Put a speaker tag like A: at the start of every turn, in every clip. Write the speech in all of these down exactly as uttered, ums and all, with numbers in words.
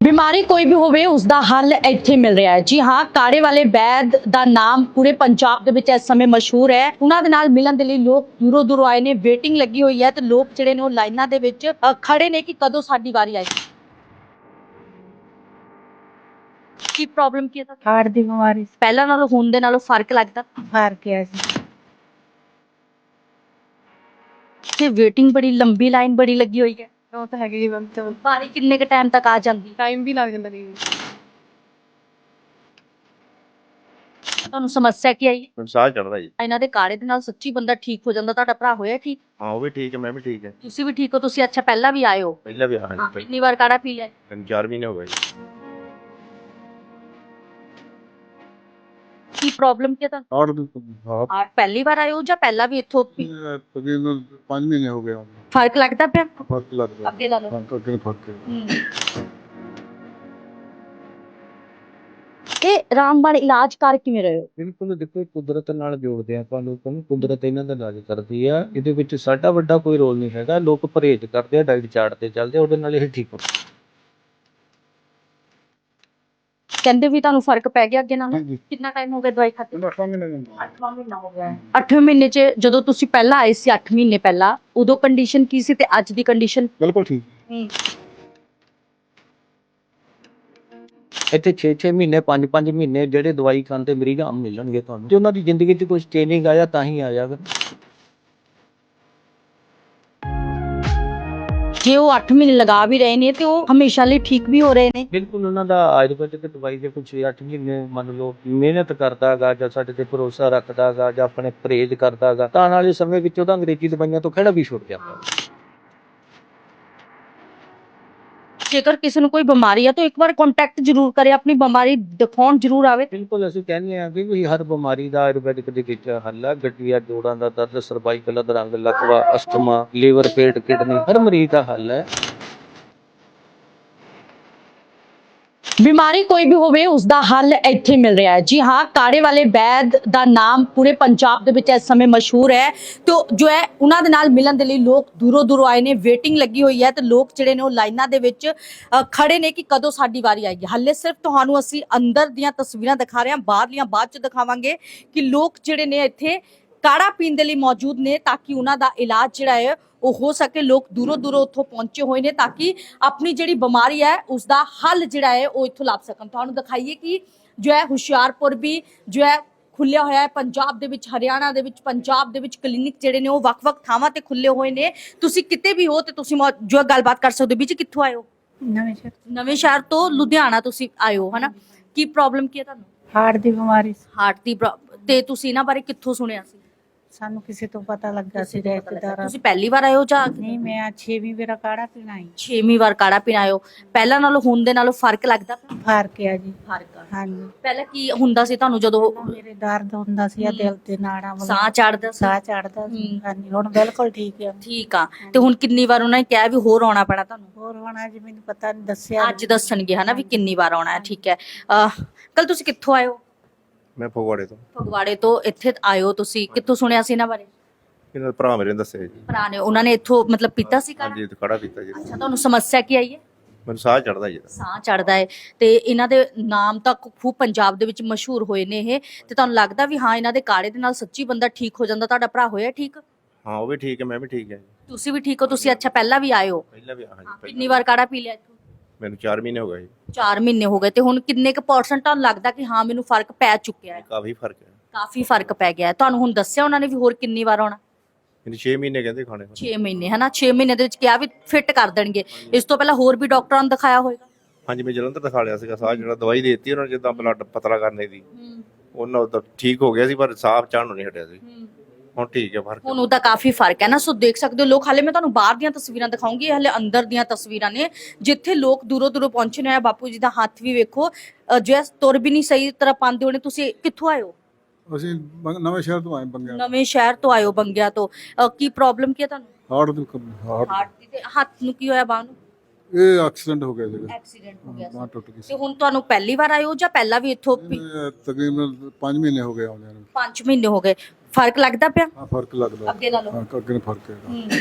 A: ਬਿਮਾਰੀ ਕੋਈ ਵੀ ਹੋਵੇ ਉਸ ਦਾ ਹੱਲ ਇੱਥੇ ਮਿਲ ਰਿਹਾ ਹੈ। ਜੀ ਹਾਂ, ਕਾੜੇ ਵਾਲੇ ਵੈਦ ਦਾ ਨਾਮ ਪੂਰੇ ਪੰਜਾਬ ਦੇ ਵਿੱਚ ਇਸ ਸਮੇਂ ਮਸ਼ਹੂਰ ਹੈ। ਉਹਨਾਂ ਦੇ ਨਾਲ ਮਿਲਣ ਦੇ ਲਈ ਲੋਕ ਦੂਰੋਂ ਦੂਰੋਂ ਆਏ ਨੇ। ਵੇਟਿੰਗ ਲੱਗੀ ਹੋਈ ਹੈ ਤੇ ਲੋਕ ਜਿਹੜੇ ਨੇ ਉਹ ਲਾਈਨਾਂ ਦੇ ਵਿੱਚ ਅ, ਖੜੇ ਨੇ ਕਿ ਕਦੋਂ ਸਾਡੀ ਵਾਰੀ ਆਏ। ਕੀ ਪ੍ਰੋਬਲਮ ਕੀ ਹੈ ਤੁਹਾਨੂੰ?
B: ਹਾਰਟ ਦੀ ਬਿਮਾਰੀ ਸੀ।
A: ਪਹਿਲਾਂ ਨਾਲੋਂ ਹੁਣ ਦੇ ਨਾਲੋਂ ਫਰਕ ਲੱਗਦਾ?
B: ਫਰਕ ਹੈ ਜੀ।
A: ਤੇ ਵੇਟਿੰਗ ਬੜੀ ਲੰਬੀ ਲਾਈਨ ਬੜੀ ਲੱਗੀ ਹੋਈ ਹੈ।
B: ਉਹ ਤਾਂ ਹੈਗੀ ਜੀ ਮੈਮ, ਤੇ
A: ਵਾਰੀ ਕਿੰਨੇ ਕ ਟਾਈਮ ਤੱਕ ਆ ਜਾਂਦੀ?
B: ਟਾਈਮ ਵੀ ਲੱਗ ਜਾਂਦਾ ਜੀ।
A: ਤੁਹਾਨੂੰ ਸਮੱਸਿਆ ਕੀ ਆਈ?
C: ਮੈਨੂੰ ਸਾਹ ਚੜਦਾ ਜੀ।
A: ਇਹਨਾਂ ਦੇ ਕਾੜੇ ਦੇ ਨਾਲ ਸੱਚੀ ਬੰਦਾ ਠੀਕ ਹੋ ਜਾਂਦਾ। ਤੁਹਾਡਾ ਭਰਾ ਹੋਇਆ ਠੀਕ?
C: ਹਾਂ ਉਹ ਵੀ ਠੀਕ ਹੈ, ਮੈਂ ਵੀ ਠੀਕ ਹੈ।
A: ਤੁਸੀਂ ਵੀ ਠੀਕ ਹੋ? ਤੁਸੀਂ ਅੱਛਾ ਪਹਿਲਾਂ ਵੀ ਆਏ ਹੋ?
C: ਪਹਿਲਾਂ ਵੀ ਆਇਆ ਜੀ,
A: ਕਿੰਨੀ ਵਾਰ ਕਾੜਾ ਪੀ ਲਿਆ?
C: ਤਿੰਨ ਚਾਰ ਮਹੀਨੇ ਹੋ ਗਏ ਜੀ।
A: ਕੀ ਪ੍ਰੋਬਲਮ ਕੀ ਹੈ ਤੁਹਾਨੂੰ?
D: ਹਾਰਟ ਦੀ ਹਾਰਟ
A: ਆ ਪਹਿਲੀ ਵਾਰ ਆਏ ਹੋ ਜਾਂ ਪਹਿਲਾਂ ਵੀ ਇੱਥੋਂ ਪੀ-
D: ਤਕਰੀਬਨ ਪੰਜ ਮਹੀਨੇ ਹੋ ਗਏ ਹਨ।
A: ਫਰਕ ਲੱਗਦਾ ਪਿਆ?
D: ਫਰਕ ਲੱਗਦਾ
A: ਅੱਗੇ ਲਾ ਲਓ।
D: ਹਾਂ, ਅੱਗੇ ਫਰਕ ਹੈ।
A: ਹਮ। ਇਹ ਰਾਮਬਾਣ ਇਲਾਜ ਕਰ ਕਿਵੇਂ ਰਹੇ ਹੋ?
E: ਬਿਲਕੁਲ ਦੇਖੋ, ਕੁਦਰਤ ਨਾਲ ਜੋੜਦੇ ਆ ਆਪਾਂ ਲੋਕਾਂ ਨੂੰ। ਕੁਦਰਤ ਇਹਨਾਂ ਦਾ ਇਲਾਜ ਕਰਦੀ ਆ। ਇਹਦੇ ਵਿੱਚ ਸਾਡਾ ਵੱਡਾ ਕੋਈ ਰੋਲ ਨਹੀਂ ਹੈਗਾ। ਲੋਕ ਪਰਹੇਜ਼ ਕਰਦੇ ਆ, ਡਾਈਟ ਚਾਰਟ ਤੇ ਚੱਲਦੇ ਆ, ਉਹਦੇ ਨਾਲ ਇਹ ਠੀਕ ਹੋ।
A: ਕਹਿੰਦੇ ਵੀ ਤੁਹਾਨੂੰ ਫਰਕ ਪੈ ਗਿਆ ਅੱਗੇ ਨਾਲ?
D: ਹਾਂਜੀ।
A: ਕਿੰਨਾ ਟਾਈਮ ਹੋ ਗਿਆ ਦਵਾਈ ਖਾਤੇ?
D: ਇਹਦਾ ਅੱਠਵਾਂ ਮਹੀਨਾ ਜਾਂਦਾ।
A: ਅੱਠਵਾਂ ਮਹੀਨਾ ਹੋ ਗਿਆ। ਅੱਠਵੇਂ ਮਹੀਨੇ 'ਚ ਜਦੋਂ ਤੁਸੀਂ ਪਹਿਲਾਂ ਆਏ ਸੀ ਅੱਠ ਮਹੀਨੇ ਪਹਿਲਾਂ, ਉਦੋਂ ਕੰਡੀਸ਼ਨ ਕੀ ਸੀ ਤੇ ਅੱਜ ਦੀ ਕੰਡੀਸ਼ਨ?
D: ਬਿਲਕੁਲ ਠੀਕ।
E: ਇੱਥੇ ਛੇ ਛੇ ਮਹੀਨੇ ਪੰਜ ਪੰਜ ਮਹੀਨੇ ਜਿਹੜੇ ਦਵਾਈ ਖਾਂਦੇ ਮਰੀਜ਼ ਆਮ ਮਿਲਣਗੇ ਤੁਹਾਨੂੰ। ਜੇ ਉਹਨਾਂ ਦੀ ਜ਼ਿੰਦਗੀ 'ਚ ਕੁਝ ਚੇਂਜਿੰਗ ਆਇਆ ਤਾਂ ਹੀ ਆਇਆ ਫਿਰ।
A: ਜੇ ਉਹ ਅੱਠ ਮਹੀਨੇ ਲਗਾ ਵੀ ਰਹੇ ਨੇ ਤੇ ਉਹ ਹਮੇਸ਼ਾ ਲਈ ਠੀਕ ਵੀ ਹੋ ਰਹੇ ਨੇ?
E: ਬਿਲਕੁਲ ਉਹਨਾਂ ਦਾ ਆਯੁਰਵੈਦਿਕ ਦਵਾਈ ਦੇ ਕੁਝ ਅੱਠ ਮਹੀਨੇ ਮੰਨ ਲਓ ਮਿਹਨਤ ਕਰਦਾ ਗਾ ਜਾਂ ਸਾਡੇ ਤੇ ਭਰੋਸਾ ਰੱਖਦਾ ਗਾ ਜਾਂ ਆਪਣੇ ਪਰਹੇਜ਼ ਕਰਦਾ ਗਾ ਤਾਂ ਆਉਣ ਵਾਲੇ ਸਮੇਂ ਵਿੱਚ ਉਹਦਾ ਅੰਗਰੇਜ਼ੀ ਦਵਾਈਆਂ ਤੋਂ ਖਹਿੜਾ ਵੀ ਛੁੱਟ ਜਾਂਦਾ।
A: ਜੇਕਰ ਕਿਸੇ ਨੂੰ ਕੋਈ ਬਿਮਾਰੀ ਹੈ ਤਾਂ ਇੱਕ ਵਾਰ ਕੰਟੈਕਟ ਜ਼ਰੂਰ ਕਰੇ, ਆਪਣੀ ਬਿਮਾਰੀ ਦਿਖਾਉਣ ਜ਼ਰੂਰ ਆਵੇ।
E: ਬਿਲਕੁਲ ਅਸੀਂ ਕਹਿੰਦੇ ਹਾਂ ਕਿ ਵੀ ਹਰ ਬਿਮਾਰੀ ਦਾ ਆਯੁਰਵੈਦਿਕ ਦੇ ਵਿੱਚ ਹੱਲ ਹੈ। ਗਠੀਆ, ਜੋੜਾਂ ਦਾ ਦਰਦ, ਸਰਵਾਈਕਲ, ਅਧਰੰਗ, ਲਕਵਾ, ਅਸਥਮਾ, ਲੀਵਰ, ਪੇਟ, ਕਿਡਨੀ, ਹਰ ਮਰੀਜ਼ ਦਾ ਹੱਲ ਹੈ।
A: ਬਿਮਾਰੀ ਕੋਈ ਵੀ ਹੋਵੇ ਉਸ ਦਾ ਹੱਲ ਇੱਥੇ ਮਿਲ ਰਿਹਾ ਹੈ। ਜੀ ਹਾਂ, ਕਾੜੇ ਵਾਲੇ ਵੈਦ ਦਾ ਨਾਮ ਪੂਰੇ ਪੰਜਾਬ ਦੇ ਵਿੱਚ ਇਸ ਸਮੇਂ ਮਸ਼ਹੂਰ ਹੈ ਤੇ ਉਹ ਜੋ ਹੈ ਉਹਨਾਂ ਦੇ ਨਾਲ ਮਿਲਣ ਦੇ ਲਈ ਲੋਕ ਦੂਰੋਂ ਦੂਰੋਂ ਆਏ ਨੇ। ਵੇਟਿੰਗ ਲੱਗੀ ਹੋਈ ਹੈ ਤੇ ਲੋਕ ਜਿਹੜੇ ਨੇ ਉਹ ਲਾਈਨਾਂ ਦੇ ਵਿੱਚ ਅ, ਖੜੇ ਨੇ ਕਿ ਕਦੋਂ ਸਾਡੀ ਵਾਰੀ ਆਏਗੀ। ਹੱਲੇ ਸਿਰਫ ਤੁਹਾਨੂੰ ਅਸੀਂ ਅੰਦਰ ਦੀਆਂ ਤਸਵੀਰਾਂ ਦਿਖਾ ਰਹੇ ਹਾਂ, ਬਾਹਰਲੀਆਂ ਬਾਅਦ ਚ ਦਿਖਾਵਾਂਗੇ ਕਿ ਲੋਕ ਜਿਹੜੇ ਨੇ ਇੱਥੇ ਕਾੜਾ ਪੀਣ ਦੇ ਲਈ ਮੌਜੂਦ ਨੇ ਤਾਂ ਕਿ ਉਹਨਾਂ ਦਾ ਇਲਾਜ ਜਿਹੜਾ ਹੈ ਉਹ ਹੋ ਸਕੇ। ਲੋਕ ਦੂਰੋਂ ਦੂਰੋਂ ਉੱਥੋਂ ਪਹੁੰਚੇ ਹੋਏ ਨੇ ਤਾਂ ਕਿ ਆਪਣੀ ਜਿਹੜੀ ਬਿਮਾਰੀ ਹੈ ਉਸ ਦਾ ਹੱਲ ਜਿਹੜਾ ਹੈ ਉਹ ਇੱਥੋਂ ਲੱਭ ਸਕਣ। ਤੁਹਾਨੂੰ ਦਿਖਾਈਏ ਕਿ ਜੋ ਹੈ ਹੁਸ਼ਿਆਰਪੁਰ ਵੀ ਜੋ ਹੈ ਖੁੱਲਿਆ ਹੋਇਆ ਹੈ। ਪੰਜਾਬ ਦੇ ਵਿੱਚ, ਹਰਿਆਣਾ ਦੇ ਵਿੱਚ, ਪੰਜਾਬ ਦੇ ਵਿੱਚ ਕਲੀਨਿਕ ਜਿਹੜੇ ਨੇ ਉਹ ਵੱਖ-ਵੱਖ ਥਾਵਾਂ ਤੇ ਖੁੱਲੇ ਹੋਏ ਨੇ। ਤੁਸੀਂ ਕਿਤੇ ਵੀ ਹੋ ਤੇ ਤੁਸੀਂ ਮੌ- ਜੋ ਹੈ ਗੱਲਬਾਤ ਕਰ ਸਕਦੇ ਹੋ। ਵੀ ਜੀ ਕਿੱਥੋਂ ਆਏ ਹੋ?
B: ਨਵੇਂ ਸ਼ਹਿਰ।
A: ਨਵੇਂ ਸ਼ਹਿਰ ਤੋਂ ਲੁਧਿਆਣਾ ਤੁਸੀਂ ਆਏ ਹੋ, ਹਨਾ? ਕੀ ਪ੍ਰੋਬਲਮ ਕੀ ਹੈ ਤੁਹਾਨੂੰ?
B: ਹਾਰਟ ਦੀ ਬਿਮਾਰੀ ਸੀ।
A: ਹਾਰਟ ਦੀ ਪ੍ਰੋ- ਤੇ ਤੁਸੀਂ ਇਹਨਾਂ ਬਾਰੇ ਕਿੱਥੋਂ ਸੁਣਿਆ ਸੀ?
B: ਸਾਨੂੰ ਕਿਸੇ ਤੋਂ ਪਤਾ ਲੱਗਾ ਸੀ ਰਿਸ਼ਤੇਦਾਰਾਂ।
A: ਤੁਸੀਂ ਪਹਿਲੀ ਵਾਰ ਆਏ ਹੋ ਜਾਂ
B: ਨਹੀਂ, ਮੈਂ ਛੇਵੀਂ ਵਾਰ ਕਾੜਾ ਪੀਣਾ ਆਈ।
A: ਛੇਵੀਂ ਵਾਰ ਕਾੜਾ ਪੀਣ ਆਏ ਹੋ? ਪਹਿਲਾਂ ਨਾਲੋਂ ਹੁਣ ਦੇ ਨਾਲੋਂ ਫਰਕ ਲੱਗਦਾ?
B: ਫਰਕ ਹੈ ਜੀ।
A: ਫਰਕ ਆ।
B: ਹਾਂਜੀ।
A: ਪਹਿਲਾਂ ਕੀ ਹੁੰਦਾ ਸੀ ਤੁਹਾਨੂੰ ਜਦੋਂ
B: ਮੇਰੇ ਦਰਦ ਹੁੰਦਾ ਸੀ ਆ ਦਿਲ ਤੇ ਨਾੜਾਂ ਵਗੈਰਾ।
A: ਸਾਹ ਚੜਦਾ ਸੀ?
B: ਸਾਹ ਚੜਦਾ ਸੀ।
A: ਹੂੰ।
B: ਹਾਂਜੀ, ਹੁਣ ਬਿਲਕੁਲ ਠੀਕ ਹੈ।
A: ਠੀਕ ਆ। ਤੇ ਹੁਣ ਕਿੰਨੀ ਵਾਰ ਉਹਨਾਂ ਨੇ ਕਿਹਾ ਵੀ ਹੋਰ ਆਉਣਾ ਪੈਣਾ ਤੁਹਾਨੂੰ?
B: ਹੋਰ ਹੁਣ ਅੱਜ ਮੈਨੂੰ ਪਤਾ ਨਹੀਂ ਦੱਸਿਆ।
A: ਅੱਜ ਦੱਸਣਗੇ ਹਨਾ ਵੀ ਕਿੰਨੀ ਵਾਰ ਆਉਣਾ ਹੈ। ਠੀਕ ਹੈ। ਅਹ ਕੱਲ ਤੁਸੀਂ ਕਿੱਥੋਂ ਆਏ ਹੋ?
C: ਮੈਂ ਫਗਵਾੜੇ ਤੋਂ।
A: ਫਗਵਾੜੇ ਤੋਂ ਇੱਥੇ ਆਏ ਹੋ ਤੁਸੀਂ? ਕਿੱਥੋਂ ਸੁਣਿਆ ਸੀ ਇਹਨਾਂ ਬਾਰੇ?
C: ਇਹਨਾਂ ਦਾ ਭਰਾ ਮੇਰੇ ਨੇ ਦੱਸਿਆ ਜੀ।
A: ਭਰਾ ਨੇ, ਉਹਨਾਂ ਨੇ ਇੱਥੋਂ ਮਤਲਬ ਪੀਤਾ ਸੀ ਕਾੜਾ?
C: ਹਾਂਜੀ, ਕਾੜਾ ਪੀਤਾ ਜੀ।
A: ਅੱਛਾ, ਤੁਹਾਨੂੰ ਸਮੱਸਿਆ ਕੀ ਆਈ ਹੈ?
C: ਮੈਨੂੰ ਸਾਹ ਚੜਦਾ ਜੀ।
A: ਸਾਹ ਚੜਦਾ ਹੈ ਤੇ ਇਹਨਾਂ ਦੇ ਨਾਮ ਤਾਂ ਖੂਬ ਪੰਜਾਬ ਦੇ ਵਿੱਚ ਮਸ਼ਹੂਰ ਹੋਏ ਨੇ ਇਹ। ਤੇ ਤੁਹਾਨੂੰ ਲੱਗਦਾ ਵੀ ਹਾਂ ਇਹਨਾਂ ਦੇ ਕਾੜੇ ਦੇ ਨਾਲ ਸੱਚੀ ਬੰਦਾ ਠੀਕ ਹੋ ਜਾਂਦਾ? ਤੁਹਾਡਾ ਭਰਾ ਹੋਇਆ ਠੀਕ?
C: ਹਾਂ ਉਹ ਵੀ ਠੀਕ ਹੈ, ਮੈਂ ਵੀ ਠੀਕ ਹੈ ਜੀ।
A: ਤੁਸੀਂ ਵੀ ਠੀਕ ਹੋ? ਤੁਸੀਂ ਅੱਛਾ ਪਹਿਲਾਂ ਵੀ ਆਏ ਹੋ?
C: ਪਹਿਲਾਂ ਵੀ ਆਇਆ ਜੀ।
A: ਕਿੰਨੀ ਵਾਰ ਕਾੜਾ ਪੀ ਲਿਆ ਇੱਥੋਂ?
C: ਮੈਨੂੰ ਚਾਰ ਮਹੀਨੇ ਹੋ ਗਏ ਜੀ।
A: ਚਾਰ ਮਹੀਨੇ ਹੋ ਗਏ। ਤੇ ਹੁਣ ਕਿੰਨੇ ਕੁ ਪਰਸੈਂਟ ਤੁਹਾਨੂੰ ਲੱਗਦਾ ਕਿ ਹਾਂ ਮੈਨੂੰ ਫਰਕ ਪੈ ਚੁੱਕਿਆ ਹੈ?
C: ਕਾਫੀ ਫਰਕ ਹੈ।
A: ਕਾਫੀ ਫਰਕ ਪੈ ਗਿਆ ਹੈ। ਤੁਹਾਨੂੰ ਹੁਣ ਦੱਸਿਆ ਉਹਨਾਂ ਨੇ ਵੀ ਹੋਰ ਕਿੰਨੀ ਵਾਰ ਆਉਣਾ?
C: ਮੈਨੂੰ ਛੇ ਮਹੀਨੇ ਕਹਿੰਦੇ ਖਾਣੇ ਨੂੰ।
A: ਛੇ ਮਹੀਨੇ ਹਨਾ? ਛੇ ਮਹੀਨੇ ਦੇ ਵਿੱਚ ਕਿਹਾ ਵੀ ਫਿੱਟ ਕਰ ਦੇਣਗੇ। ਇਸ ਤੋਂ ਪਹਿਲਾਂ ਹੋਰ ਵੀ ਡਾਕਟਰਾਂ ਨੂੰ ਦਿਖਾਇਆ ਹੋਵੇਗਾ?
C: ਹਾਂਜੀ, ਮੈਂ ਜਲੰਧਰ ਦਿਖਾ ਲਿਆ ਸੀਗਾ। ਸਾਹ ਜਿਹੜਾ ਦਵਾਈ ਦੇ ਦਿੱਤੀ ਉਹਨਾਂ ਨੇ ਜਿੱਦਾਂ ਬਲੱਡ ਪਤਲਾ ਕਰਨੇ ਦੀ, ਉਹਨਾਂ ਉਹ ਤਾਂ ਠੀਕ ਹੋ ਗਿਆ ਸੀ ਪਰ ਸਾਹ ਚੜ੍ਹਨ ਨੂੰ ਨਹੀਂ ਹਟਿਆ ਸੀ। ਹੁਣ ਠੀਕ ਹੈ, ਫਰਕ
A: ਹੁਣ ਉਹਦਾ ਕਾਫੀ ਫਰਕ ਹੈ ਨਾ। ਸੋ ਦੇਖ ਸਕਦੇ ਹੋ ਲੋਕ। ਹਾਲੇ ਮੈਂ ਤੁਹਾਨੂੰ ਬਾਹਰ ਦੀਆਂ ਤਸਵੀਰਾਂ ਦਿਖਾਉਂਗੀ, ਹਾਲੇ ਅੰਦਰ ਦੀਆਂ ਤਸਵੀਰਾਂ ਨੇ ਜਿੱਥੇ ਲੋਕ ਦੂਰੋਂ ਦੂਰੋਂ ਪਹੁੰਚੇ ਨੇ। ਬਾਪੂ ਜੀ ਦਾ ਹੱਥ ਵੀ ਵੇਖੋ, ਜੋ ਤੁਰ ਵੀ ਨਹੀਂ ਸਹੀ ਤਰ੍ਹਾਂ ਪਾਉਂਦੇ ਹੋਣੇ। ਤੁਸੀਂ ਕਿੱਥੋਂ ਆਏ ਹੋ?
D: ਅਸੀਂ ਬੰ- ਨਵੇਂ ਸ਼ਹਿਰ ਤੋਂ ਆਏ ਬੰਗਿਆ।
A: ਨਵੇਂ ਸ਼ਹਿਰ ਤੋਂ ਆਏ ਹੋ, ਬੰਗਿਆ ਤੋਂ। ਅਹ ਕੀ ਪ੍ਰੋਬਲਮ ਕੀ ਹੈ ਤੁਹਾਨੂੰ?
D: ਹਾਰਟ ਦੀ ਕਮ- ਹਾਰਟ
A: ਹਾਰਟ ਦੀ। ਤੇ ਹੱਥ ਨੂੰ ਕੀ ਹੋਇਆ? ਬਾਂਹ ਨੂੰ
D: ਇਹ ਐਕਸੀਡੈਂਟ ਹੋ ਗਿਆ ਸੀਗਾ।
A: ਐਕਸੀਡੈਂਟ ਹੋ ਗਿਆ ਸੀ।
D: ਬਾਂਹ ਟੁੱਟ ਗਈ ਸੀ।
A: ਤੇ ਹੁਣ ਤੁਹਾਨੂੰ ਪਹਿਲੀ ਵਾਰ ਆਏ ਹੋ ਜਾਂ ਪਹਿਲਾਂ ਵੀ ਇੱਥੋਂ ਪੀ-
D: ਇਹ ਤਕਰੀਬਨ ਪੰਜ ਮਹੀਨੇ ਹੋ ਗਏ ਆਉਂਦੇ ਨੂੰ।
A: ਪੰਜ ਮਹੀਨੇ ਹੋ ਗਏ। ਫਰਕ ਲੱਗਦਾ ਪਿਆ
D: ਹਾਂ, ਫਰਕ ਲੱਗਦਾ।
A: ਅੱਗੇ ਨਾਲੋਂ?
D: ਹਾਂ, ਅੱਗੇ ਨੂੰ ਫਰਕ ਹੈ।
A: ਹੂੰ।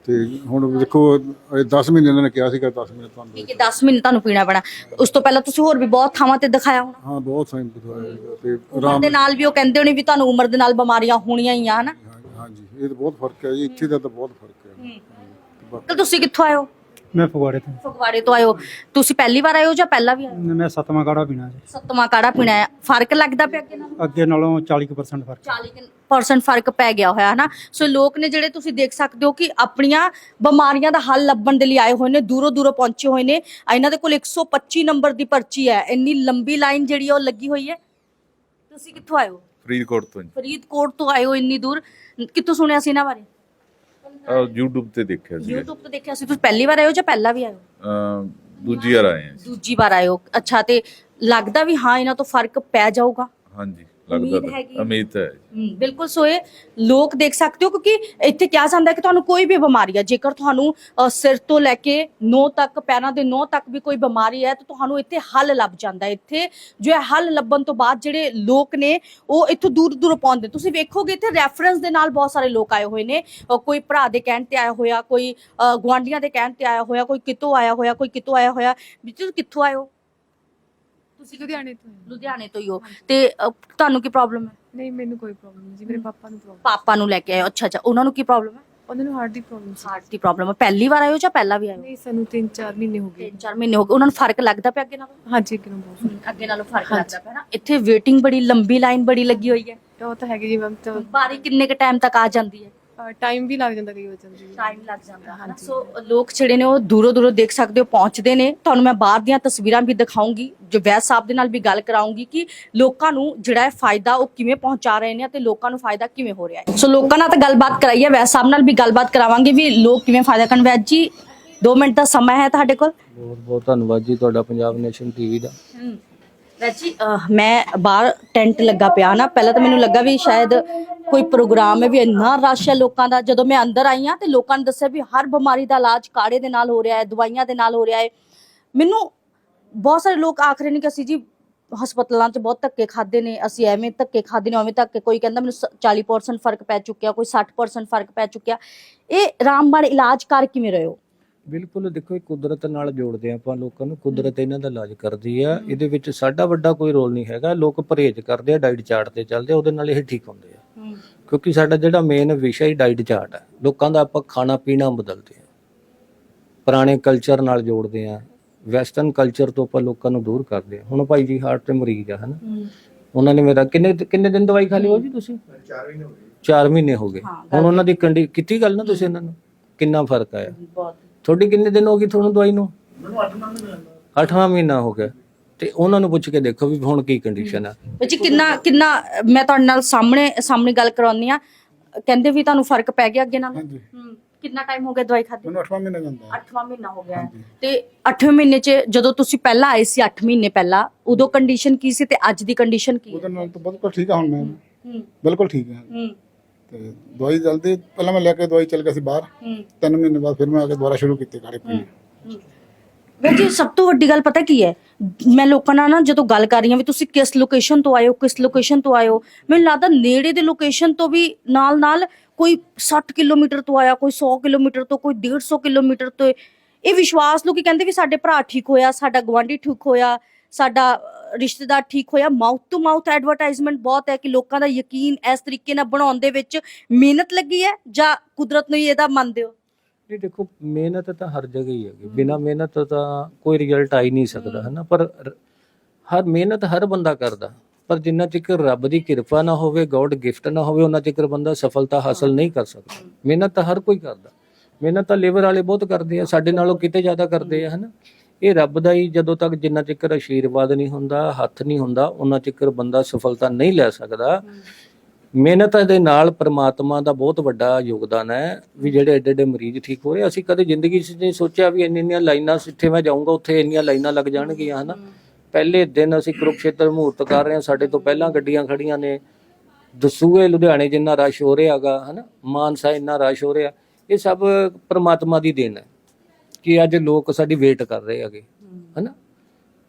D: ਤੇ ਹੁਣ ਦੇਖੋ ਇਹ ਦਸ ਮਹੀਨੇ ਇਹਨਾਂ ਨੇ ਕਿਹਾ ਸੀਗਾ, ਦਸ ਮਹੀਨੇ ਤੁਹਾਨੂੰ
A: ਠੀਕ ਹੈ ਦਸ ਮਹੀਨੇ ਤੁਹਾਨੂੰ ਪੀਣਾ ਪੈਣਾ। ਉਸ ਤੋਂ ਪਹਿਲਾਂ ਤੁਸੀਂ ਹੋਰ ਵੀ ਬਹੁਤ ਥਾਵਾਂ ਤੇ ਦਿਖਾਇਆ ਹੋਣਾ
D: ਹਾਂ ਬਹੁਤ ਸਾਈਨ ਦਿਖਾਇਆ ਸੀਗਾ ਤੇ
A: ਉਮਰ
D: ਆਰਾਮ
A: ਦੇ ਨਾਲ ਵੀ ਉਹ ਕਹਿੰਦੇ ਹੋਣੇ ਵੀ ਤੁਹਾਨੂੰ ਉਮਰ ਦੇ ਨਾਲ ਬਿਮਾਰੀਆਂ ਹੋਣੀਆਂ ਹੀ ਆ ਹਨਾ।
D: ਹਾਂਜੀ ਇਹ ਤਾਂ ਬਹੁਤ ਫਰਕ ਹੈ ਜੀ, ਇੱਥੇ ਦਾ ਤਾਂ ਬਹੁਤ ਫਰਕ ਹੈ।
A: ਅੰਕਲ ਤੁਸੀਂ ਕਿੱਥੋਂ ਆਏ ਹੋ?
F: ਮੈਂ ਫਗਵਾੜੇ ਤੋਂ।
A: ਫਗਵਾੜੇ ਤੋਂ ਆਏ ਹੋ। ਤੁਸੀਂ ਪਹਿਲੀ ਵਾਰ ਆਏ ਹੋ ਜਾਂ ਪਹਿਲਾਂ ਵੀ ਆਏ ਹੋ?
F: ਮੈਂ ਸੱਤਵਾਂ ਕਾੜਾ ਪੀਣਾ ਜੀ।
A: ਸੱਤਵਾਂ ਕਾੜਾ ਪੀਣਾ ਹੈ। ਫਰਕ ਲੱਗਦਾ ਪਿਆ ਅੱਗੇ ਨਾਲੋਂ?
F: ਅੱਗੇ ਨਾਲੋਂ ਚਾਲੀ ਕੁ ਪਰਸੈਂਟ ਫਰਕ।
A: ਚਾਲੀ ਪਰਸੈਂਟ ਫਰਕ ਪੈ ਗਿਆ ਹੋਇਆ ਹਨਾ। ਸੋ ਲੋਕ ਨੇ ਜਿਹੜੇ ਤੁਸੀਂ ਦੇਖ ਸਕਦੇ ਹੋ ਕਿ ਆਪਣੀਆਂ ਬਿਮਾਰੀਆਂ ਦਾ ਹੱਲ ਲੱਭਣ ਦੇ ਲਈ ਆਏ ਹੋਏ ਨੇ, ਦੂਰੋਂ ਦੂਰੋਂ ਪਹੁੰਚੇ ਹੋਏ ਨੇ। ਇਹਨਾਂ ਦੇ ਕੋਲ ਇੱਕ ਸੌ ਪੱਚੀ ਨੰਬਰ ਦੀ ਪਰਚੀ ਹੈ। ਇੰਨੀ ਲੰਬੀ ਲਾਈਨ ਜਿਹੜੀ ਹੈ ਉਹ ਲੱਗੀ ਹੋਈ ਹੈ। ਤੁਸੀਂ ਕਿੱਥੋਂ ਆਏ ਹੋ?
G: ਫਰੀਦਕੋਟ ਤੋਂ ਜੀ।
A: ਫਰੀਦਕੋਟ ਤੋਂ ਆਏ ਹੋ ਇੰਨੀ ਦੂਰ। ਕਿੱਥੋਂ ਸੁਣਿਆ ਸੀ ਇਹਨਾਂ ਬਾਰੇ?
G: ਆਹ YouTube ਤੇ ਦੇਖਿਆ ਸੀ।
A: YouTube ਤੋਂ ਦੇਖਿਆ ਸੀ। ਤੁਸੀਂ ਪਹਿਲੀ ਵਾਰ ਆਏ ਹੋ ਜਾਂ ਪਹਿਲਾਂ ਵੀ ਆਏ ਹੋ?
G: ਅਹ ਦੂਜੀ ਵਾਰ ਆਏ ਹਾਂ ਜੀ।
A: ਦੂਜੀ ਵਾਰ ਆਏ ਹੋ। ਅੱਛਾ, ਤੇ ਲੱਗਦਾ ਵੀ ਹਾਂ ਇਹਨਾਂ ਤੋਂ ਫਰਕ ਪੈ ਜਾਊਗਾ?
G: ਹਾਂਜੀ ਲੱਗਦਾ
A: ਉਮੀਦ
G: ਤਾਂ
A: ਹੈਗੀ।
G: ਉਮੀਦ ਤਾਂ ਹੈ ਜੀ।
A: ਹਮ, ਬਿਲਕੁਲ। ਸੋ ਇਹ ਲੋਕ ਦੇਖ ਸਕਦੇ ਹੋ ਕਿਉਂਕਿ ਇੱਥੇ ਕਿਹਾ ਜਾਂਦਾ ਹੈ ਕਿ ਤੁਹਾਨੂੰ ਕੋਈ ਵੀ ਬਿਮਾਰੀ ਹੈ, ਜੇਕਰ ਤੁਹਾਨੂੰ ਅ, ਸਿਰ ਤੋਂ ਲੈ ਕੇ ਨੋਹ ਤੱਕ, ਪੈਰਾਂ ਦੇ ਨੋਹ ਤੱਕ ਵੀ ਕੋਈ ਬਿਮਾਰੀ ਹੈ ਤਾਂ ਤੁਹਾਨੂੰ ਇੱਥੇ ਹੱਲ ਲੱਭ ਜਾਂਦਾ ਹੈ। ਇੱਥੇ ਜੋ ਹੈ ਹੱਲ ਲੱਭਣ ਤੋਂ ਬਾਅਦ ਜਿਹੜੇ ਲੋਕ ਨੇ ਉਹ ਇੱਥੋਂ ਦੂਰ ਦੂਰ ਪਹੁੰਚਦੇ। ਤੁਸੀਂ ਵੇਖੋਗੇ ਇੱਥੇ ਰੈਫਰੈਂਸ ਦੇ ਨਾਲ ਬਹੁਤ ਸਾਰੇ ਲੋਕ ਆਏ ਹੋਏ ਨੇ। ਅ, ਕੋਈ ਭਰਾ ਦੇ ਕਹਿਣ ਤੇ ਆਇਆ ਹੋਇਆ, ਕੋਈ ਅ, ਗੁਆਂਢੀਆਂ ਦੇ ਕਹਿਣ ਤੇ ਆਇਆ ਹੋਇਆ, ਕੋਈ ਕਿਤੋਂ ਆਇਆ ਹੋਇਆ, ਕੋਈ ਕਿਤੋਂ ਆਇਆ ਹੋਇਆ। ਵੀ ਤੁਸੀਂ ਕਿੱਥੋਂ ਆਏ ਹੋ?
H: ਤੁਸੀਂ ਲੁਧਿਆਣੇ ਤੋਂ?
A: ਲੁਧਿਆਣੇ ਤੋਂ ਹੀ ਹੋ। ਤੇ ਅ, ਤੁਹਾਨੂੰ ਕੀ ਪ੍ਰੋਬਲਮ ਹੈ?
H: ਨਹੀਂ ਮੈਨੂੰ ਕੋਈ ਪ੍ਰੋਬਲਮ ਨਹੀਂ ਜੀ, ਮੇਰੇ ਪਾਪਾ ਨੂੰ ਪ੍ਰੋਬਲਮ।
A: ਪਾਪਾ ਨੂੰ ਲੈ ਕੇ ਆਏ ਹੋ। ਅੱਛਾ ਅੱਛਾ, ਉਹਨਾਂ ਨੂੰ ਕੀ ਪ੍ਰੋਬਲਮ ਹੈ?
H: ਉਹਨਾਂ ਨੂੰ ਹਾਰਟ ਦੀ ਪ੍ਰੋਬਲਮ ਸੀ।
A: ਹਾਰਟ ਦੀ ਪ੍ਰੋਬਲਮ ਹੈ। ਪਹਿਲੀ ਵਾਰ ਆਏ ਹੋ ਜਾਂ ਪਹਿਲਾਂ ਵੀ ਆਏ ਹੋ?
H: ਨਹੀਂ ਸਾਨੂੰ ਤਿੰਨ ਚਾਰ ਮਹੀਨੇ ਹੋ ਗਏ।
A: ਤਿੰਨ ਚਾਰ ਮਹੀਨੇ ਹੋ ਗਏ। ਉਹਨਾਂ ਨੂੰ ਫਰਕ ਲੱਗਦਾ ਪਿਆ ਅੱਗੇ ਨਾਲੋਂ?
H: ਹਾਂਜੀ ਅੱਗੇ ਨੂੰ ਬਹੁਤ
A: ਅੱਗੇ ਨਾਲੋਂ ਫਰਕ ਲੱਗਦਾ ਪਿਆ ਨਾ। ਇੱਥੇ ਵੇਟਿੰਗ ਬੜੀ ਲੰਬੀ ਲਾਈਨ ਬੜੀ ਲੱਗੀ ਹੋਈ ਹੈ।
H: ਉਹ ਤਾਂ ਹੈਗੀ ਜੀ ਮੈਮ। ਤਾਂ
A: ਬਾਰੀ ਕਿੰਨੇ ਕ ਟਾਈਮ ਤੱਕ ਆ ਜਾਂਦੀ ਹੈ?
H: ਟਾਈਮ ਵੀ ਲੱਗ ਜਾਂਦਾ ਕਈ ਵਾਰ ਜਾਂਦੀ ਜੀ।
A: ਟਾਈਮ ਲੱਗ ਜਾਂਦਾ ਹੈ ਨਾ। ਸੋ ਲੋਕ ਜਿਹੜੇ ਨੇ ਉਹ ਦੂਰੋਂ ਦੂਰੋਂ ਦੇਖ ਸਕਦੇ ਹੋ ਪਹੁੰਚਦੇ ਨੇ। ਤੁਹਾਨੂੰ ਮੈਂ ਬਾਹਰ ਦੀਆਂ ਤਸਵੀਰਾਂ ਵੀ ਦਿਖਾਉਂਗੀ, ਜੋ ਵੈਦ ਸਾਹਿਬ ਦੇ ਨਾਲ ਵੀ ਗੱਲ ਕਰਾਉਂਗੀ ਕਿ ਲੋਕਾਂ ਨੂੰ ਜਿਹੜਾ ਹੈ ਫਾਇਦਾ ਉਹ ਕਿਵੇਂ ਪਹੁੰਚਾ ਰਹੇ ਨੇ ਤੇ ਲੋਕਾਂ ਨੂੰ ਫਾਇਦਾ ਕਿਵੇਂ ਹੋ ਰਿਹਾ ਹੈ। ਸੋ ਲੋਕਾਂ ਨਾਲ ਤਾਂ ਗੱਲਬਾਤ ਕਰਾਈ ਹੈ, ਵੈਦ ਸਾਹਿਬ ਨਾਲ ਵੀ ਗੱਲਬਾਤ ਕਰਾਵਾਂਗੇ ਵੀ ਲੋਕ ਕਿਵੇਂ ਫਾਇਦਾ ਕਰਨ। ਵੈਦ ਜੀ ਦੋ ਮਿੰਟ ਦਾ ਸਮਾਂ ਹੈ ਤੁਹਾਡੇ ਕੋਲ?
E: ਬਹੁਤ ਬਹੁਤ ਧੰਨਵਾਦ ਜੀ ਤੁਹਾਡਾ ਪੰਜਾਬ ਨੇਸ਼ਨ ਟੀਵੀ ਦਾ।
A: ਵੈਦ ਜੀ ਅਹ ਮੈਂ ਬਾਹਰ ਟੈਂਟ ਲੱਗਾ ਪਿਆ ਨਾ, ਪਹਿਲਾਂ ਤਾਂ ਮੈਨੂੰ ਲੱਗਾ ਵੀ ਸ਼ਾਇਦ ਕੋਈ ਪ੍ਰੋਗਰਾਮ ਹੈ, ਵੀ ਇੰਨਾ ਰਸ਼ ਹੈ ਲੋਕਾਂ ਦਾ। ਜਦੋਂ ਮੈਂ ਅੰਦਰ ਆਈ ਹਾਂ ਤੇ ਲੋਕਾਂ ਨੇ ਦੱਸਿਆ ਵੀ ਹਰ ਬਿਮਾਰੀ ਦਾ ਇਲਾਜ ਕਾੜੇ ਦੇ ਨਾਲ ਹੋ ਰਿਹਾ ਹੈ, ਦਵਾਈਆਂ ਦੇ ਨਾਲ ਹੋ ਰਿਹਾ ਹੈ। ਮੈਨੂੰ ਬਹੁਤ ਸਾਰੇ ਲੋਕ ਆਖ ਰਹੇ ਨੇ ਕਿ ਅਸੀਂ ਜੀ ਹਸਪਤਾਲਾਂ 'ਚ ਬਹੁਤ ਧੱਕੇ ਖਾਦੇ ਨੇ, ਅਸੀਂ ਐਵੇਂ ਧੱਕੇ ਖਾਦੇ ਨੇ, ਉਵੇਂ ਧੱਕੇ। ਕੋਈ ਕਹਿੰਦਾ ਮੈਨੂੰ ਚਾਲੀ ਪਰਸੈਂਟ ਫਰਕ ਪੈ ਚੁੱਕਿਆ, ਕੋਈ ਸੱਠ ਪਰਸੈਂਟ ਫਰਕ ਪੈ ਚੁੱਕਿਆ। ਇਹ ਰਾਮਬਾਣ ਇਲਾਜ ਕਰ ਕਿਵੇਂ ਰਹੇ ਹੋ?
E: ਬਿਲਕੁਲ ਦੇਖੋ, ਇਹ ਕੁਦਰਤ ਨਾਲ ਜੋੜਦੇ ਆ ਆਪਾਂ ਲੋਕਾਂ ਨੂੰ। ਕੁਦਰਤ ਇਹਨਾਂ ਦਾ ਇਲਾਜ ਕਰਦੀ ਆ। ਇਹਦੇ ਵਿੱਚ ਸਾਡਾ ਵੱਡਾ ਕੋਈ ਰੋਲ ਨਹੀਂ ਹੈਗਾ। ਲੋਕ ਪਰਹੇਜ਼ ਕਰਦੇ ਆ, ਡਾਈਟ ਚਾਰਟ ਤੇ ਚੱਲਦੇ ਆ, ਉਹਦੇ ਨਾਲ ਇਹ ਠੀਕ ਹੁੰਦੇ ਆ। ਕਿਉਂਕਿ ਸਾਡਾ ਜਿਹੜਾ ਮੇਨ ਵਿਸ਼ਾ ਹੀ ਡਾਈਟ ਚਾਰਟ ਹੈ। ਲੋਕਾਂ ਦਾ ਆਪਾਂ ਖਾਣਾ ਪੀਣਾ ਬਦਲਦੇ ਆ, ਪੁਰਾਣੇ ਕਲਚਰ ਨਾਲ ਜੋੜਦੇ ਆ, ਵੈਸਟਰਨ ਕਲਚਰ ਤੋਂ ਆਪਾਂ ਲੋਕਾਂ ਨੂੰ ਦੂਰ ਕਰਦੇ ਆ। ਹੁਣ ਭਾਈ ਜੀ ਹਾਰਟ ਤੇ ਮਰੀਜ਼ ਆ ਹਨਾ, ਉਹਨਾਂ ਨੇ ਮੇਰਾ ਕਿੰਨੇ ਕਿੰਨੇ ਦਿਨ ਦਵਾਈ ਖਾ ਲਈ ਹੋ ਜੀ ਤੁਸੀਂ? ਚਾਰ ਮਹੀਨੇ ਹੋ ਗਏ। ਚਾਰ ਮਹੀਨੇ ਹੋ ਗਏ। ਹੁਣ ਉਹਨਾਂ ਦੀ ਕੰਡੀ ਕੀਤੀ ਗੱਲ ਨਾ ਤੁਸੀਂ, ਇਹਨਾਂ ਨੂੰ ਕਿੰਨਾ ਫਰਕ ਆਇਆ? ਤੁਹਾਡੀ ਕਿੰਨੇ ਦਿਨ ਹੋ ਗਈ ਤੁਹਾਨੂੰ ਦਵਾਈ ਨੂੰ? ਅੱਠਵਾਂ ਮਹੀਨਾ ਹੋ ਗਿਆ। ਤੇ ਉਹਨਾਂ ਨੂੰ ਪੁੱਛ ਕੇ ਦੇਖੋ ਵੀ ਹੁਣ ਕੀ ਕੰਡੀਸ਼ਨ ਆ।
A: ਬੱਚੀ ਕਿੰਨਾ ਕਿੰਨਾ ਮੈਂ ਤੁਹਾਡੇ ਨਾਲ ਸਾਹਮਣੇ ਸਾਹਮਣੇ ਗੱਲ ਕਰਵਾਉਣੀ ਆ। ਕਹਿੰਦੇ ਵੀ ਤੁਹਾਨੂੰ ਫਰਕ ਪੈ ਗਿਆ ਅੱਗੇ ਨਾਲ?
D: ਹਾਂਜੀ।
A: ਹੂੰ। ਕਿੰਨਾ ਟਾਈਮ ਹੋ ਗਿਆ ਦਵਾਈ ਖਾਦੀ?
D: ਮੈਨੂੰ ਅੱਠਵਾਂ ਮਹੀਨਾ ਜਾਂਦਾ ਹੈ।
A: ਅੱਠਵਾਂ ਮਹੀਨਾ ਹੋ ਗਿਆ ਹੈ। ਤੇ ਅੱਠਵੇਂ ਮਹੀਨੇ 'ਚ ਜਦੋਂ ਤੁਸੀਂ ਪਹਿਲਾਂ ਆਏ ਸੀ ਅੱਠ ਮਹੀਨੇ ਪਹਿਲਾਂ, ਉਦੋਂ ਕੰਡੀਸ਼ਨ ਕੀ ਸੀ ਤੇ ਅੱਜ ਦੀ ਕੰਡੀਸ਼ਨ ਕੀ ਹੈ?
D: ਉਹਦੇ ਨਾਲ ਤਾਂ ਬਿਲਕੁਲ ਠੀਕ ਆ ਹੁਣ ਮੈਂ।
A: ਹੂੰ
D: ਬਿਲਕੁਲ ਠੀਕ ਹੈ।
A: ਹੂੰ
D: ਤੇ ਦਵਾਈ ਜਲਦੀ ਪਹਿਲਾਂ ਮੈਂ ਲੈ ਕੇ ਦਵਾਈ ਚੱਲ ਗਿਆ ਸੀ ਬਾਹਰ।
A: ਹੂੰ
D: ਤਿੰਨ ਮਹੀਨੇ ਬਾਅਦ ਫਿਰ ਮੈਂ ਆ ਕੇ ਦੁਬਾਰਾ ਸ਼ੁਰੂ ਕੀਤੀ ਕਾੜੇ ਪੀਣੇ।
A: ਵੈਸੇ ਸਭ ਤੋਂ ਵੱਡੀ ਗੱਲ ਪਤਾ ਕੀ ਹੈ, ਮੈਂ ਲੋਕਾਂ ਨਾਲ ਨਾ ਜਦੋਂ ਗੱਲ ਕਰ ਰਹੀ ਹਾਂ ਵੀ ਤੁਸੀਂ ਕਿਸ ਲੋਕੇਸ਼ਨ ਤੋਂ ਆਏ ਹੋ, ਕਿਸ ਲੋਕੇਸ਼ਨ ਤੋਂ ਆਏ ਹੋ, ਮੈਨੂੰ ਲੱਗਦਾ ਨੇੜੇ ਦੇ ਲੋਕੇਸ਼ਨ ਤੋਂ ਵੀ ਨਾਲ ਨਾਲ ਕੋਈ ਸੱਠ ਕਿਲੋਮੀਟਰ ਤੋਂ ਆਇਆ, ਕੋਈ ਸੌ ਕਿਲੋਮੀਟਰ ਤੋਂ, ਕੋਈ ਡੇਢ ਸੌ ਕਿਲੋਮੀਟਰ ਤੋਂ। ਇਹ ਵਿਸ਼ਵਾਸ ਲੋਕੀ ਕਹਿੰਦੇ ਵੀ ਸਾਡੇ ਭਰਾ ਠੀਕ ਹੋਇਆ, ਸਾਡਾ ਗੁਆਂਢੀ ਠੀਕ ਹੋਇਆ, ਸਾਡਾ ਰਿਸ਼ਤੇਦਾਰ ਠੀਕ ਹੋਇਆ। ਮਾਊਥ ਟੂ ਮਾਊਥ ਐਡਵਰਟਾਈਜ਼ਮੈਂਟ ਬਹੁਤ ਹੈ ਕਿ ਲੋਕਾਂ ਦਾ ਯਕੀਨ ਇਸ ਤਰੀਕੇ ਨਾਲ ਬਣਾਉਣ ਦੇ ਵਿੱਚ ਮਿਹਨਤ ਲੱਗੀ ਹੈ ਜਾਂ ਕੁਦਰਤ ਨੂੰ ਹੀ ਇਹਦਾ ਮੰਨਦੇ ਹੋ?
E: ਜੀ ਦੇਖੋ, ਮਿਹਨਤ ਤਾਂ ਹਰ ਜਗ੍ਹਾ ਹੀ ਹੈਗੀ। ਬਿਨਾਂ ਮਿਹਨਤ ਤਾਂ ਕੋਈ ਰਿਜ਼ਲਟ ਆ ਹੀ ਨਹੀਂ ਸਕਦਾ ਹੈ ਨਾ। ਪਰ ਹਰ ਮਿਹਨਤ ਹਰ ਬੰਦਾ ਕਰਦਾ, ਪਰ ਜਿੰਨਾ ਚਿਰ ਰੱਬ ਦੀ ਕਿਰਪਾ ਨਾ ਹੋਵੇ, ਗੋਡ ਗਿਫਟ ਨਾ ਹੋਵੇ, ਉਹਨਾਂ ਚਿਰ ਬੰਦਾ ਸਫਲਤਾ ਹਾਸਲ ਨਹੀਂ ਕਰ ਸਕਦਾ। ਮਿਹਨਤ ਤਾਂ ਹਰ ਕੋਈ ਕਰਦਾ। ਮਿਹਨਤ ਤਾਂ ਲੇਬਰ ਵਾਲੇ ਬਹੁਤ ਕਰਦੇ ਆ, ਸਾਡੇ ਨਾਲੋਂ ਕਿਤੇ ਜ਼ਿਆਦਾ ਕਰਦੇ ਆ ਹੈ ਨਾ। ਇਹ ਰੱਬ ਦਾ ਹੀ, ਜਦੋਂ ਤੱਕ ਜਿੰਨਾ ਚਿਰ ਆਸ਼ੀਰਵਾਦ ਨਹੀਂ ਹੁੰਦਾ, ਹੱਥ ਨਹੀਂ ਹੁੰਦਾ, ਉਹਨਾਂ ਚਿਰ ਬੰਦਾ ਸਫਲਤਾ ਨਹੀਂ ਲੈ ਸਕਦਾ। ਮਿਹਨਤ ਦੇ ਨਾਲ ਪਰਮਾਤਮਾ ਦਾ ਬਹੁਤ ਵੱਡਾ ਯੋਗਦਾਨ ਹੈ ਵੀ ਜਿਹੜੇ ਐਡੇ ਐਡੇ ਮਰੀਜ਼ ਠੀਕ ਹੋ ਰਹੇ। ਅਸੀਂ ਕਦੇ ਜ਼ਿੰਦਗੀ 'ਚ ਨਹੀਂ ਸੋਚਿਆ ਵੀ ਇੰਨੀਆਂ ਇੰਨੀਆਂ ਲਾਈਨਾਂ, ਜਿੱਥੇ ਮੈਂ ਜਾਊਂਗਾ ਉੱਥੇ ਇੰਨੀਆਂ ਲਾਈਨਾਂ ਲੱਗ ਜਾਣਗੀਆਂ ਹੈ ਨਾ। ਪਹਿਲੇ ਦਿਨ ਅਸੀਂ ਕੁਰੂਕਸ਼ੇਤਰ ਮਹੂਰਤ ਕਰ ਰਹੇ ਹਾਂ, ਸਾਡੇ ਤੋਂ ਪਹਿਲਾਂ ਗੱਡੀਆਂ ਖੜੀਆਂ ਨੇ। ਦਸੂਹੇ ਲੁਧਿਆਣੇ ਜਿੰਨਾ ਰਸ਼ ਹੋ ਰਿਹਾ ਹੈਗਾ ਹੈ ਨਾ, ਮਾਨਸਾ ਇੰਨਾ ਰਸ਼ ਹੋ ਰਿਹਾ, ਇਹ ਸਭ ਪਰਮਾਤਮਾ ਦੀ ਦੇਣ ਹੈ ਕਿ ਅੱਜ ਲੋਕ ਸਾਡੀ ਵੇਟ ਕਰ ਰਹੇ ਹੈਗੇ ਹੈ ਨਾ।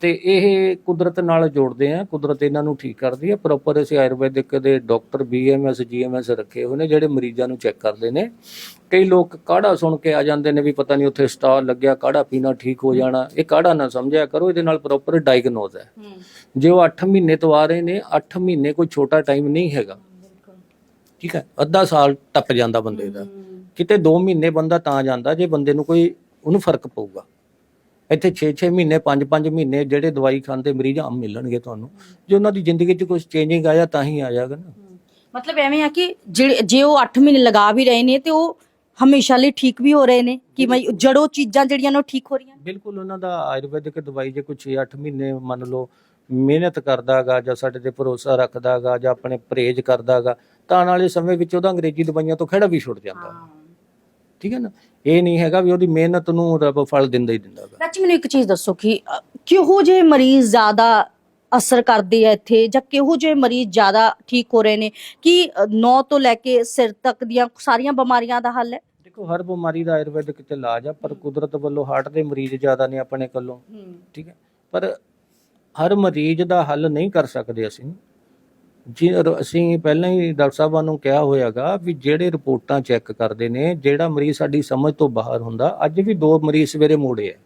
E: ਤੇ ਇਹ ਕੁਦਰਤ ਨਾਲ ਜੋੜਦੇ ਆ, ਕੁਦਰਤ ਇਹਨਾਂ ਨੂੰ ਠੀਕ ਕਰਦੀ ਹੈ। ਪ੍ਰੋਪਰ ਅਸੀਂ ਆਯੁਰਵੈਦਿਕ ਦੇ doctor B M S G M S ਰੱਖੇ ਹੋਏ ਨੇ ਜਿਹੜੇ ਮਰੀਜ਼ਾਂ ਨੂੰ ਚੈੱਕ ਕਰਦੇ ਨੇ। ਕਈ ਲੋਕ ਕਾੜਾ ਸੁਣ ਕੇ ਆ ਜਾਂਦੇ ਨੇ ਵੀ ਪਤਾ ਨਹੀਂ ਉੱਥੇ ਸਟਾਲ ਲੱਗਿਆ, ਕਾੜਾ ਪੀਣਾ ਠੀਕ ਹੋ ਜਾਣਾ। ਇਹ ਕਾੜਾ ਨਾ ਸਮਝਿਆ ਕਰੋ, ਇਹਦੇ ਨਾਲ ਪ੍ਰੋਪਰ ਡਾਇਗਨੋਜ਼ ਹੈ। ਜੇ ਉਹ ਅੱਠ ਮਹੀਨੇ ਤੋਂ ਆ ਰਹੇ ਨੇ, ਅੱਠ ਮਹੀਨੇ ਕੋਈ ਛੋਟਾ ਟਾਈਮ ਨਹੀਂ ਹੈਗਾ, ਠੀਕ ਹੈ। ਅੱਧਾ ਸਾਲ ਟੱਪ ਜਾਂਦਾ ਬੰਦੇ ਦਾ, ਕਿਤੇ ਦੋ ਮਹੀਨੇ ਬੰਦਾ ਤਾਂ ਜਾਂਦਾ ਜੇ ਬੰਦੇ ਨੂੰ ਕੋਈ ਉਹਨੂੰ ਫਰਕ ਪਊਗਾ। ਇੱਥੇ ਛੇ ਛੇ ਮਹੀਨੇ ਪੰਜ ਪੰਜ ਮਹੀਨੇ ਜਿਹੜੇ ਦਵਾਈ ਖਾਂਦੇ ਮਰੀਜ਼ ਆਮ ਮਿਲਣਗੇ ਤੁਹਾਨੂੰ। ਜੇ ਉਹਨਾਂ ਦੀ ਜ਼ਿੰਦਗੀ 'ਚ ਕੁਝ ਚੇਂਜਿੰਗ ਆਇਆ ਤਾਂ ਹੀ ਆ ਜਾਏਗਾ ਨਾ।
A: ਮਤਲਬ ਐਵੇਂ ਆ ਕਿ ਜਿਹੜੇ ਜੇ ਉਹ ਅੱਠ ਮਹੀਨੇ ਲਗਾ ਵੀ ਰਹੇ ਨੇ ਤੇ ਉਹ ਹਮੇਸ਼ਾ ਲਈ ਠੀਕ ਵੀ ਹੋ ਰਹੇ ਨੇ ਕਿ ਬਈ ਜੜੋਂ ਚੀਜ਼ਾਂ ਜਿਹੜੀਆਂ ਨੇ ਉਹ ਠੀਕ ਹੋ ਰਹੀਆਂ।
E: ਬਿਲਕੁਲ ਉਹਨਾਂ ਦਾ ਆਯੁਰਵੈਦਿਕ ਦਵਾਈ ਜੇ ਕੋਈ ਛੇ ਅੱਠ ਮਹੀਨੇ ਮੰਨ ਲਓ ਮਿਹਨਤ ਕਰਦਾਗਾ ਜਾਂ ਸਾਡੇ ਤੇ ਭਰੋਸਾ ਰੱਖਦਾਗਾ ਜਾਂ ਆਪਣੇ ਪਰਹੇਜ਼ ਕਰਦਾਗਾ ਤਾਂ ਆਉਣ ਵਾਲੇ ਸਮੇਂ ਵਿੱਚ ਉਹਦਾ ਅੰਗਰੇਜ਼ੀ ਦਵਾਈਆਂ ਤੋਂ ਖਹਿੜਾ ਵੀ ਛੁੱਟ ਜਾਂਦਾ। ਠੀਕ ਹੈ ਨਾ, ਇਹ ਨਹੀਂ ਹੈਗਾ ਵੀ ਉਹਦੀ ਮਿਹਨਤ ਨੂੰ ਰੱਬ ਫਲ ਦਿੰਦਾ ਹੀ ਦਿੰਦਾ।
A: ਚਾਚੀ ਮੈਨੂੰ ਇੱਕ ਚੀਜ਼ ਦੱਸੋ ਕਿ ਅ, ਕਿਹੋ ਜਿਹੇ ਮਰੀਜ਼ ਜ਼ਿਆਦਾ ਅਸਰ ਕਰਦੇ ਆ ਇੱਥੇ ਜਾਂ ਕਿਹੋ ਜਿਹੇ ਮਰੀਜ਼ ਜ਼ਿਆਦਾ ਠੀਕ ਹੋ ਰਹੇ ਨੇ ਕਿ ਨੌ ਤੋਂ ਲੈ ਕੇ ਸਿਰ ਤੱਕ ਦੀਆਂ ਸਾਰੀਆਂ ਬਿਮਾਰੀਆਂ ਦਾ ਹੱਲ ਹੈ?
E: ਦੇਖੋ ਹਰ ਬਿਮਾਰੀ ਦਾ ਆਯੁਰਵੈਦਿਕ ਚ ਇਲਾਜ ਆ, ਪਰ ਕੁਦਰਤ ਵੱਲੋਂ ਹਾਰਟ ਦੇ ਮਰੀਜ਼ ਜ਼ਿਆਦਾ ਨੇ ਆਪਣੇ ਕੋਲੋਂ, ਠੀਕ ਹੈ। ਪਰ ਹਰ ਮਰੀਜ਼ ਦਾ ਹੱਲ ਨਹੀਂ ਕਰ ਸਕਦੇ ਅਸੀਂ। ਜੀ ਅਸੀਂ ਪਹਿਲਾਂ ਹੀ ਡਾਕਟਰ ਸਾਹਿਬਾਂ ਨੂੰ ਕਿਹਾ ਹੋਇਆਗਾ ਵੀ ਜਿਹੜੇ ਰਿਪੋਰਟਾਂ ਚੈੱਕ ਕਰਦੇ ਨੇ, ਜਿਹੜਾ ਮਰੀਜ਼ ਸਾਡੀ ਸਮਝ ਤੋਂ ਬਾਹਰ ਹੁੰਦਾ, ਅੱਜ ਵੀ ਦੋ ਮਰੀਜ਼ ਸਵੇਰੇ ਮੋੜੇ ਆ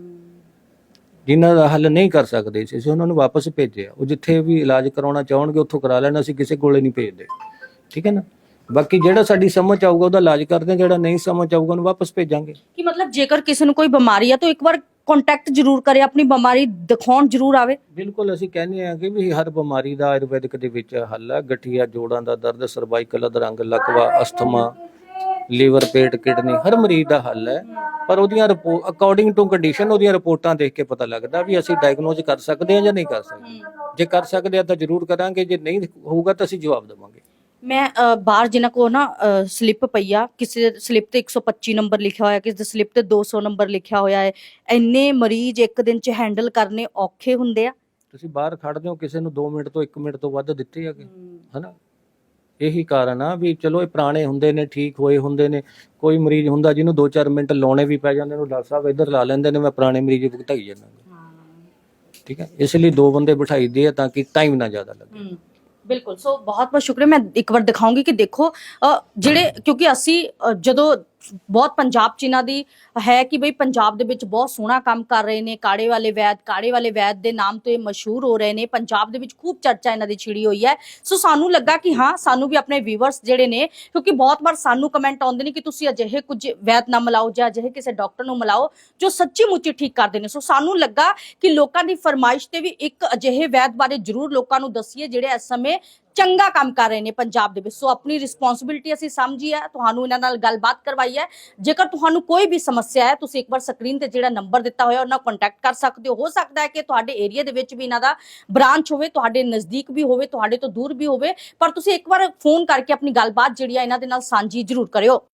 E: ਜਿਨ੍ਹਾਂ ਦਾ ਹੱਲ ਨਹੀਂ ਕਰ ਸਕਦੇ ਸੀ, ਅਸੀਂ ਉਹਨਾਂ ਨੂੰ ਵਾਪਸ ਭੇਜਿਆ। ਉਹ ਜਿੱਥੇ ਵੀ ਇਲਾਜ ਕਰਾਉਣਾ ਚਾਹਣਗੇ ਉੱਥੋਂ ਕਰਾ ਲੈਣਾ, ਅਸੀਂ ਕਿਸੇ ਕੋਲੇ ਨਹੀਂ ਭੇਜਦੇ, ਠੀਕ ਹੈ ਨਾ। ਬਾਕੀ ਜਿਹੜਾ ਸਾਡੀ ਸਮਝ ਆਊਗਾ ਉਹਦਾ ਇਲਾਜ ਕਰਦੇ ਹਾਂ, ਜਿਹੜਾ ਨਹੀਂ ਸਮਝ ਆਊਗਾ ਉਹਨੂੰ ਵਾਪਸ ਭੇਜਾਂਗੇ।
A: ਕਿ ਮਤਲਬ ਜੇਕਰ ਕਿਸੇ ਨੂੰ ਕੋਈ ਬਿਮਾਰੀ ਆ ਤਾਂ ਇੱਕ ਵਾਰ ਕੰਟੈਕਟ ਜ਼ਰੂਰ ਕਰੇ, ਆਪਣੀ ਬਿਮਾਰੀ ਦਿਖਾਉਣ ਜ਼ਰੂਰ ਆਵੇ।
E: ਬਿਲਕੁਲ ਅਸੀਂ ਕਹਿੰਦੇ ਹਾਂ ਕਿ ਵੀ ਹਰ ਬਿਮਾਰੀ ਦਾ ਆਯੁਰਵੈਦਿਕ ਦੇ ਵਿੱਚ ਹੱਲ ਹੈ। ਗਠੀਆ, ਜੋੜਾਂ ਦਾ ਦਰਦ, ਸਰਵਾਈਕਲ ਅਧਰੰਗ, ਲਕਵਾ, ਅਸਥਮਾ, ਲੀਵਰ, ਪੇਟ, ਕਿਡਨੀ, ਹਰ ਮਰੀਜ਼ ਦਾ ਹੱਲ ਹੈ। ਪਰ ਉਹਦੀਆਂ ਰਿਪੋਰਟ ਅਕੋਰਡਿੰਗ ਟੂ ਕੰਡੀਸ਼ਨ, ਉਹਦੀਆਂ ਰਿਪੋਰਟਾਂ ਦੇਖ ਕੇ ਪਤਾ ਲੱਗਦਾ ਵੀ ਅਸੀਂ ਡਾਇਗਨੋਜ਼ ਕਰ ਸਕਦੇ ਹਾਂ ਜਾਂ ਨਹੀਂ ਕਰ ਸਕਦੇ। ਜੇ ਕਰ ਸਕਦੇ ਆ ਤਾਂ ਜ਼ਰੂਰ ਕਰਾਂਗੇ, ਜੇ ਨਹੀਂ ਹੋਊਗਾ ਤਾਂ ਅਸੀਂ ਜਵਾਬ ਦੇਵਾਂਗੇ।
A: ਮੈਂ ਅ, ਬਾਹਰ ਜਿਨ੍ਹਾਂ ਕੋ ਨਾ ਸਲਿੱਪ ਪਈ ਆ, ਕਿਸੇ ਸਲਿੱਪ ਤੇ ਇੱਕ ਸੌ ਪੱਚੀ ਨੰਬਰ ਲਿਖਿਆ ਹੋਇਆ, ਕਿਸੇ ਦੇ ਸਲਿੱਪ ਤੇ ਦੋ ਸੌ ਨੰਬਰ ਲਿਖਿਆ ਹੋਇਆ ਹੈ। ਇੰਨੇ ਮਰੀਜ਼ ਇੱਕ ਦਿਨ 'ਚ ਹੈਂਡਲ ਕਰਨੇ ਔਖੇ ਹੁੰਦੇ ਆ।
E: ਤੁਸੀਂ ਬਾਹਰ ਖੜਦੇ ਹੋ, ਕਿਸੇ ਨੂੰ ਦੋ ਮਿੰਟ ਤੋਂ ਇੱਕ ਮਿੰਟ ਤੋਂ ਵੱਧ ਦਿੱਤੇ ਹੈਗੇ, ਹਨਾ। ਇਹੀ ਕਾਰਨ ਆ ਵੀ ਚਲੋ ਇਹ ਪੁਰਾਣੇ ਹੁੰਦੇ ਨੇ, ਠੀਕ ਹੋਏ ਹੁੰਦੇ ਨੇ। ਕੋਈ ਮਰੀਜ਼ ਹੁੰਦਾ ਜਿਹਨੂੰ ਦੋ ਚਾਰ ਮਿੰਟ ਲਾਉਣੇ ਵੀ ਪੈ ਜਾਂਦੇ ਨੇ, ਡਾਕਟਰ ਸਾਹਿਬ ਇੱਧਰ ਲਾ ਲੈਂਦੇ ਨੇ, ਮੈਂ ਪੁਰਾਣੇ ਮਰੀਜ਼ ਭੁਗਤਾਈ ਜਾਂਦਾ, ਠੀਕ ਹੈ। ਇਸ ਲਈ ਦੋ ਬੰਦੇ ਬਿਠਾਈ ਦੇ ਆ ਤਾਂ ਕਿ ਟਾਈਮ ਨਾ ਜ਼ਿਆਦਾ ਲੱਗੇ।
A: ਬਿਲਕੁਲ, ਸੋ ਬਹੁਤ ਬਹੁਤ ਸ਼ੁਕਰੀਆ। ਮੈਂ ਇੱਕ ਵਾਰ ਦਿਖਾਉਂਗੀ ਕਿ ਦੇਖੋ ਅ, ਜਿਹੜੇ ਕਿਉਂਕਿ ਅਸੀਂ ਅ, ਜਦੋਂ ਬਹੁਤ ਪੰਜਾਬ 'ਚ ਇਹਨਾਂ ਦੀ ਹੈ ਕਿ ਬਈ ਪੰਜਾਬ ਦੇ ਵਿੱਚ ਬਹੁਤ ਸੋਹਣਾ ਕੰਮ ਕਰ ਰਹੇ ਨੇ, ਕਾੜੇ ਵਾਲੇ ਵੈਦ, ਕਾੜੇ ਵਾਲੇ ਵੈਦ ਦੇ ਨਾਮ ਤੋਂ ਇਹ ਮਸ਼ਹੂਰ ਹੋ ਰਹੇ ਨੇ। ਪੰਜਾਬ ਦੇ ਵਿੱਚ ਖੂਬ ਚਰਚਾ ਇਹਨਾਂ ਦੀ ਛਿੜੀ ਹੋਈ ਹੈ। ਸੋ ਸਾਨੂੰ ਲੱਗਾ ਕਿ ਹਾਂ ਸਾਨੂੰ ਵੀ ਆਪਣੇ ਵੀਵਰਸ ਜਿਹੜੇ ਨੇ, ਕਿਉਂਕਿ ਬਹੁਤ ਵਾਰ ਸਾਨੂੰ ਕਮੈਂਟ ਆਉਂਦੇ ਨੇ ਕਿ ਤੁਸੀਂ ਅਜਿਹੇ ਕੁਝ ਵੈਦ ਨਾ ਮਿਲਾਓ ਜਾਂ ਅਜਿਹੇ ਕਿਸੇ ਡਾਕਟਰ ਨੂੰ ਮਿਲਾਓ ਜੋ ਸੱਚੀ ਮੁੱਚੀ ਠੀਕ ਕਰਦੇ ਨੇ। ਸੋ ਸਾਨੂੰ ਲੱਗਾ ਕਿ ਲੋਕਾਂ ਦੀ ਫਰਮਾਇਸ਼ ਤੇ ਵੀ ਇੱਕ ਅਜਿਹੇ ਵੈਦ ਬਾਰੇ ਜ਼ਰੂਰ ਲੋਕਾਂ ਨੂੰ ਦੱਸੀਏ ਜਿਹੜੇ ਇਸ ਸਮੇਂ ਚੰਗਾ ਕੰਮ ਕਰ ਰਹੇ ਨੇ ਪੰਜਾਬ ਦੇ ਵਿੱਚ। ਸੋ ਆਪਣੀ ਰਿਸਪੌਂਸਿਬਿਲਟੀ ਅਸੀਂ ਸਮਝੀ ਹੈ, ਤੁਹਾਨੂੰ ਇਹਨਾਂ ਨਾਲ ਗੱਲਬਾਤ ਕਰਵਾਈ ਹੈ। ਜੇਕਰ ਤੁਹਾਨੂੰ ਕੋਈ ਵੀ ਸਮੱਸਿਆ ਹੈ, ਤੁਸੀਂ ਇੱਕ ਵਾਰ ਸਕਰੀਨ ਤੇ ਜਿਹੜਾ ਨੰਬਰ ਦਿੱਤਾ ਹੋਇਆ ਉਹਨਾਂ ਨਾਲ ਕੰਟੈਕਟ ਕਰ ਸਕਦੇ ਹੋ। ਹੋ ਸਕਦਾ ਹੈ ਕਿ ਤੁਹਾਡੇ ਏਰੀਆ ਦੇ ਵਿੱਚ ਵੀ ਇਹਨਾਂ ਦਾ ਬ੍ਰਾਂਚ ਹੋਵੇ, ਤੁਹਾਡੇ ਨਜ਼ਦੀਕ ਵੀ ਹੋਵੇ, ਤੁਹਾਡੇ ਤੋਂ ਦੂਰ ਵੀ ਹੋਵੇ, ਪਰ ਤੁਸੀਂ ਇੱਕ ਵਾਰ ਫੋਨ ਕਰਕੇ ਆਪਣੀ ਗੱਲਬਾਤ ਜਿਹੜੀ ਹੈ ਇਹਨਾਂ ਦੇ ਨਾਲ ਸਾਂਝੀ ਜ਼ਰੂਰ ਕਰਿਓ।